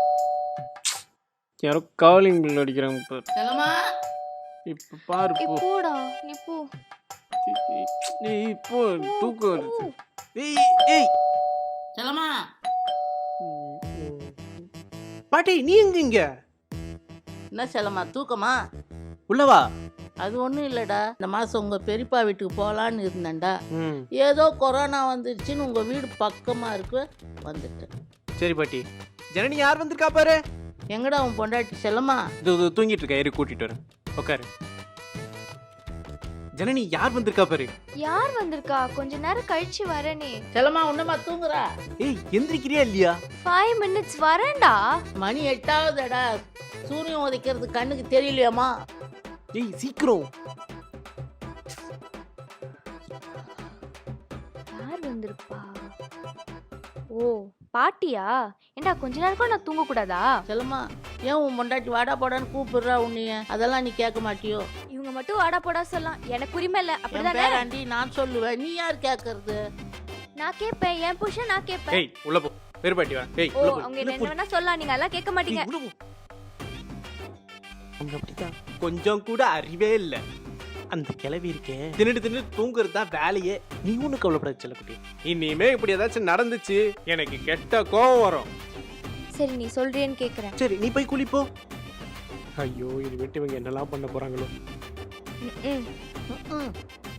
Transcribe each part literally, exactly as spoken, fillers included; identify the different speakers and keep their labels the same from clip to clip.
Speaker 1: யாரோ calling bell அடிக்கிறாங்க பாரு.
Speaker 2: செல்லம்மா
Speaker 1: இப்ப பாரு போ.
Speaker 3: போடா நீ போ.
Speaker 1: ஏய் இப்போ தூக்கம் வருது. ஏய் ஏய்
Speaker 2: செல்லம்மா
Speaker 1: பாட்டி நீ எங்க இங்க?
Speaker 2: என்ன செல்லம்மா தூக்கமா?
Speaker 1: உள்ளவா?
Speaker 2: அது ஒன்றும் இல்லைடா, இந்த மாதம் உங்கள் பெரியப்பா வீட்டுக்கு போகலான்னு இருந்தேன்டா.
Speaker 1: ம்
Speaker 2: ஏதோ கொரோனா வந்துருச்சுன்னு உங்கள் வீடு பக்கமாக இருக்கு வந்துட்டேன்.
Speaker 1: சரி பாட்டி. ஜனனி யார் வந்திருக்கா பாரு.
Speaker 2: எங்கடா உன் பொண்டாட்டி செல்லம்மா?
Speaker 1: இது இது தூங்கிட்டு இருக்கா, ஏறி கூட்டிட்டு வரேன். உட்காரு. ஜனனி யார் வந்திருக்கா பாரு.
Speaker 3: யார் வந்திருக்கா? கொஞ்ச நேரம் கழிச்சு வரேனே.
Speaker 2: செல்லம்மா உன்னமா தூங்குறா?
Speaker 1: ஏய் எந்திரிக்கிறியா இல்லையா?
Speaker 3: ஃபைவ் மினிட்ஸ் வரேன்டா.
Speaker 2: மணி எட்டாவதுடா, சூரியன் உதைக்கிறது கண்ணுக்கு தெரியலையாம்மா?
Speaker 1: ஏய் சீக்கிரம்.
Speaker 3: யார் வந்திருப்பா? ஓ பாட்டியா? ஏண்டா கொஞ்ச நேரம் கூட நான் தூங்க கூடாதா?
Speaker 2: செல்லம்மா ஏன் உன் பொண்டாட்டி வாடா போடான்னு கூப்பிடுறா உன்னைய? அதெல்லாம் நீ கேட்க மாட்டியோ?
Speaker 3: இவங்க மட்டும் வாடா போடா சொல்லலாம், எனக்கு உரிமை இல்ல.
Speaker 2: என்
Speaker 3: அப்படிதானே?
Speaker 2: பேராண்டி நான் சொல்லுவேன், நீ யார் கேட்கறது?
Speaker 3: நான் கேட்பேன், என் புருஷன் நான் கேட்பேன்.
Speaker 1: ஏய் உள்ள போ. பேர் பாட்டி வா. ஏய்
Speaker 3: ஓ
Speaker 1: உள்ள போ.
Speaker 3: அவங்க என்ன வேணா சொல்லலாம், நீங்க எல்லாம் கேட்க மாட்டீங்க.
Speaker 1: ஏய், உள்ள போ. அவங்க அப்படிதான். கொஞ்சம் கூட அறிவே இல்ல. அந்த கிளவி இருக்கே தின்னுட்டு தின்னுட்டு தூங்குறது தான் வேலையே. நீ ஒண்ணு கவலைப்படாத செல்லக்குட்டி. இனிமே இப்படி ஏதாச்சும் நடந்துச்சு எனக்கு கெட்ட கோவம் வரும்.
Speaker 3: சரி நீ சொல்றேன்னு கேக்குறேன்.
Speaker 1: சரி நீ போய் குளிப்போ. ஐயோ இது விட்டு இவங்க என்னெல்லாம் பண்ண போறாங்களோ.
Speaker 3: ம், ம்.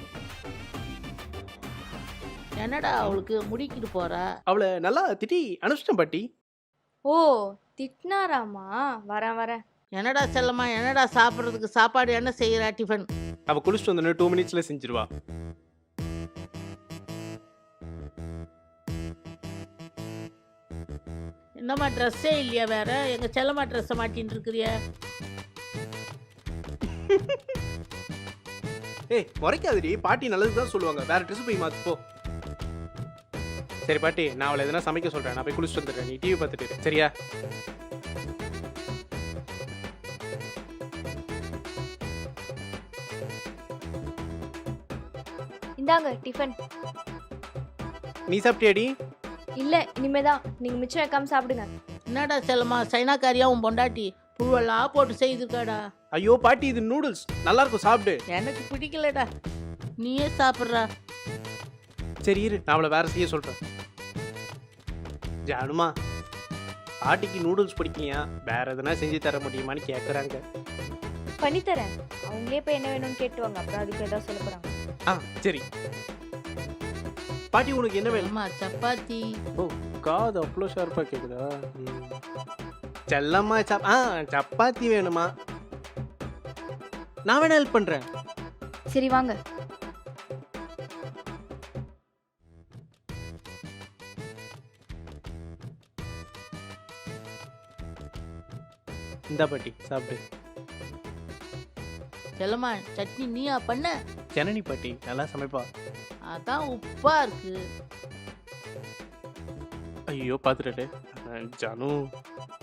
Speaker 2: என்னடா அவளுக்கு முடிக்கிட்டு போறா?
Speaker 1: அவளை நல்லா திட்டி அனுப்பிச்சிட்டேன் பாட்டி.
Speaker 3: ஓ திட்டினாராமா? வரேன் வரேன்.
Speaker 2: என்னடா செல்லம்மா, என்னடா சாப்பிட்றதுக்கு சாப்பாடு என்ன செய்யறா? டிஃபன்
Speaker 1: அவ குளிச்சுட்டு வந்தோடனே டூ மினிட்ஸ்ல செஞ்சிருவா.
Speaker 2: என்னம்மா ட்ரெஸ்ஸே இல்லையா வேற? எங்க செல்லம்மா ட்ரெஸ்ஸை மாட்டின்னு இருக்கிறிய?
Speaker 1: ஏய் முறைக்காதடி, பாட்டி நல்லது தான் சொல்லுவாங்க. வேற ட்ரெஸ் போய் மாத்து போ. சரி பாட்டி நான் அவளை எதனா சமைக்க சொல்றேன். நான் போய் குளிச்சுட்டு வந்துடுறேன். நீ டிவி பார்த்துட்டு இரு. சரியா?
Speaker 3: இந்தாங்க டிஃபன்.
Speaker 1: நீ சாப்பிட்டியாடி?
Speaker 3: இல்ல இனிமேதான். நீங்க மிச்சம் வைக்காம சாப்பிடுங்க.
Speaker 2: என்னடா செல்லம்மா சைனாக்காரியா உன் பொண்டாட்டி புழுவெல்லாம் போட்டு செய்திருக்காடா?
Speaker 1: ஐயோ பாட்டி இது நூடுல்ஸ் நல்லா இருக்கும், சாப்பிடு.
Speaker 2: எனக்கு பிடிக்கலடா, நீயே சாப்பிட்றா.
Speaker 1: சரி இரு நான் அவளை வேற செய்ய சொல்றேன். ஜானுமா பாட்டிக்கு நூடுல்ஸ் பிடிக்கலையா, வேற எதனா செஞ்சு தர முடியுமான்னு கேட்குறாங்க.
Speaker 3: பண்ணித்தரேன். அவங்களே போய் என்ன வேணும்னு கேட்டுவாங்க, அப்புறம் அதுக்கு ஏதாவது சொல்ல போறாங்க.
Speaker 1: ஆ சரி பாட்டி உனக்கு என்ன வேணும்?
Speaker 2: அம்மா சப்பாத்தி.
Speaker 1: ஓ காது அவ்வளோ ஷார்ப்பாக கேட்குதா? செல்லம்மா சப் ஆ சப்பாத்தி வேணுமா? நான் வேணா ஹெல்ப் பண்ணுறேன்.
Speaker 3: சரி வாங்க.
Speaker 1: இந்தா பாட்டி சாப்பிடு.
Speaker 2: செல்லம்மா சட்னி நீயா பண்ண?
Speaker 1: ஜனனி பாட்டி நல்லா சமைப்பா.
Speaker 2: அதான் உப்பா இருக்கு.
Speaker 1: ஐயோ பார்த்துட்டு ஜானு